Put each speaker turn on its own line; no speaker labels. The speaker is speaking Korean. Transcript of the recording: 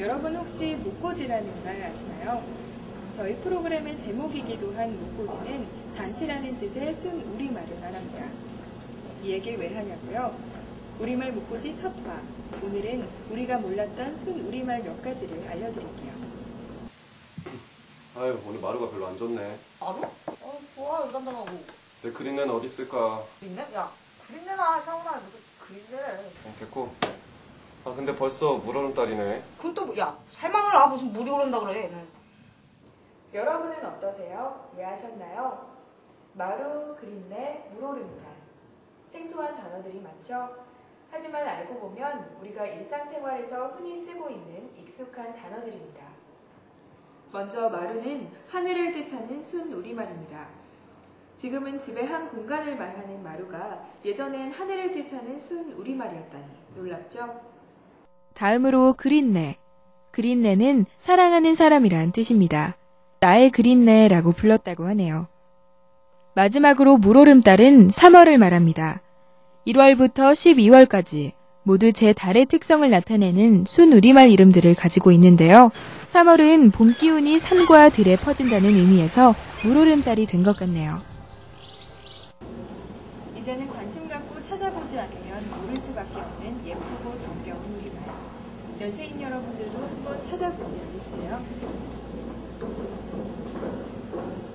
여러분 혹시 목고지라는 말 아시나요? 저희 프로그램의 제목이기도 한 목고지는 잔치라는 뜻의 순 우리말을 말합니다. 이 얘기를 왜 하냐고요? 우리말 목고지 첫 화. 오늘은 우리가 몰랐던 순 우리말 몇 가지를 알려드릴게요.
아유, 오늘 마루가 별로 안 좋네.
마루? 좋아, 일단다하고.
내 그린내는 어디 있을까?
그린내? 야, 그린내나 샤워나 무슨 그린내래.
됐고. 아, 근데 벌써 물 오는 달이네.
그럼 또, 야, 살망을 나 무슨 물이 오른다 그래, 얘는.
여러분은 어떠세요? 이해하셨나요? 마루, 그린내, 물오름달. 생소한 단어들이 많죠? 하지만 알고 보면 우리가 일상생활에서 흔히 쓰고 있는 익숙한 단어들입니다. 먼저 마루는 하늘을 뜻하는 순 우리말입니다. 지금은 집의 한 공간을 말하는 마루가 예전엔 하늘을 뜻하는 순 우리말이었다니 놀랍죠?
다음으로 그린내. 그린내는 사랑하는 사람이란 뜻입니다. 나의 그린내라고 불렀다고 하네요. 마지막으로 물오름달은 3월을 말합니다. 1월부터 12월까지 모두 제 달의 특성을 나타내는 순 우리말 이름들을 가지고 있는데요. 3월은 봄 기운이 산과 들에 퍼진다는 의미에서 물오름달이 된 것 같네요.
이제는 관심 갖고 찾아보지 않으면 모를 수밖에 없는 예쁘고 정겨운 우리말. 연세인 여러분들도 한번 찾아보지 않으실래요?